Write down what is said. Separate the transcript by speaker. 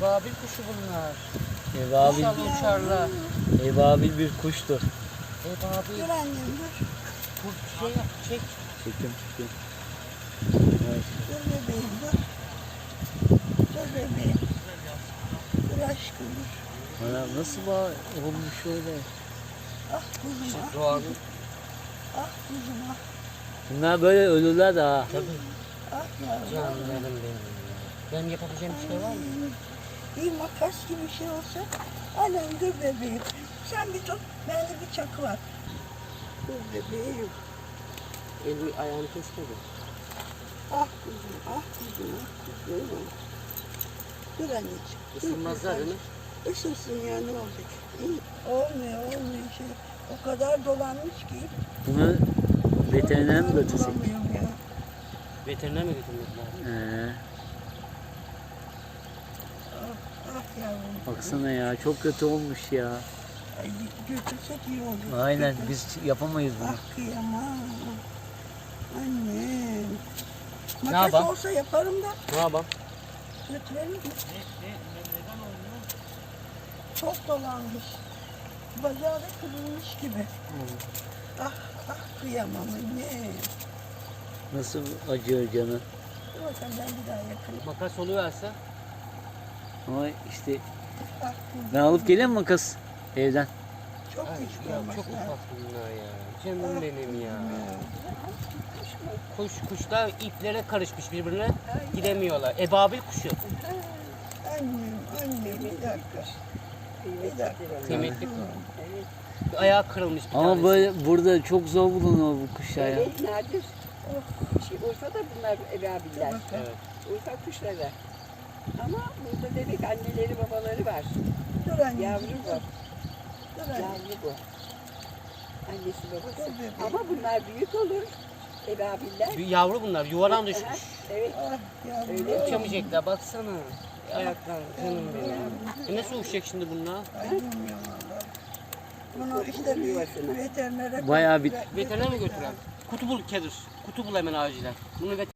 Speaker 1: Ebabil kuşu bunlar.
Speaker 2: Ebabil,
Speaker 1: İnşallah uçarlar.
Speaker 2: ebabil bir kuştur.
Speaker 1: Ebabil.
Speaker 3: Dur annem dur.
Speaker 1: Bu şey yap, çek.
Speaker 2: Çekim. Evet.
Speaker 3: Dur bebeğim dur. Dur bebeğim. Dur aşkım dur.
Speaker 2: Ana nasıl olmuş öyle?
Speaker 3: Ah kuzum ah.
Speaker 1: Doğanın.
Speaker 3: Ah kuzum ah.
Speaker 2: Bunlar böyle ölürler de ha.
Speaker 1: Tabii.
Speaker 3: Ah yavrum.
Speaker 1: Canlarım benim. Benim yapabileceğim bir şey var mı?
Speaker 3: Bir makas gibi bir şey olsa. Annem dur bebeğim. Sen bir tut. Bende bir çakı var. Dur bebeğim.
Speaker 1: Eli ayağını kesmedi.
Speaker 3: Ah kuzum ah kuzum ah kuzum. Dur anneciğim. dur
Speaker 1: Isınmazlar değil mi?
Speaker 3: Isınsın ya ne olacak? İyi. Olmuyor şey. O kadar dolanmış ki.
Speaker 2: Bunu veterinere mi götürsek?
Speaker 3: Bulamıyorum ya.
Speaker 1: Veteriner mi götürmek lazım?
Speaker 3: Ah yavrum.
Speaker 2: Baksana ya çok kötü olmuş ya.
Speaker 3: Ay, götürsek iyi olur.
Speaker 2: Aynen
Speaker 3: Götür.
Speaker 2: biz yapamayız bunu.
Speaker 3: Ah kıyamam. Annem.
Speaker 1: Ne
Speaker 3: Makas
Speaker 1: yapalım?
Speaker 3: olsa yaparım da
Speaker 1: Ne yapalım?
Speaker 3: götürelim mi? Çok dolanmış. Bacağı da kırılmış gibi. Ah kıyamam anne.
Speaker 2: Nasıl acıyor canı.
Speaker 3: Dur bakalım ben bir daha yakayım.
Speaker 1: Makas oluverse.
Speaker 2: Ama işte
Speaker 3: Ah kuzum.
Speaker 2: ben alıp geleyim mi makas evden?
Speaker 3: Çok
Speaker 1: Ay,
Speaker 3: küçük
Speaker 1: ya
Speaker 3: olması
Speaker 1: çok
Speaker 3: lazım.
Speaker 1: ufak bunlar ya. Canım benim ya.
Speaker 3: Ya.
Speaker 1: Kuşlar iplere karışmış birbirine. Gidemiyorlar. Ebabil kuşu.
Speaker 3: Annem bir dakika. Bir dakika.
Speaker 1: Kıymetli kuş. Ayağı kırılmış bir
Speaker 2: Ama
Speaker 1: tanesi.
Speaker 2: böyle burada çok zor bulunuyor bu kuşlar ya.
Speaker 4: Evet, nadir. Urfa'da bunlar ebabiller.
Speaker 1: Evet.
Speaker 4: Urfa kuşları. Ama burada demek anneleri babaları var.
Speaker 3: Dur anne.
Speaker 4: Yavru bu.
Speaker 3: Dur anne.
Speaker 4: Yavru bu. Annesi babası.
Speaker 3: Dur bebeğim.
Speaker 4: Ama bunlar büyük olur. Ebabiller.
Speaker 1: Bir yavru bunlar. Yuvadan düşmüş.
Speaker 4: Evet.
Speaker 3: Ah yavrum.
Speaker 4: Öyle.
Speaker 1: Uçamayacaklar. Baksana. Ayaklar. Canım benim. Nasıl uçacak şimdi bunlar?
Speaker 3: Ay bilmiyorum valla. Bunu işte bir veterinere
Speaker 2: Bayağı bir-
Speaker 1: Veteriner mi götüren? Kutu bul Kedir. Kutu bul hemen acilen. Bunu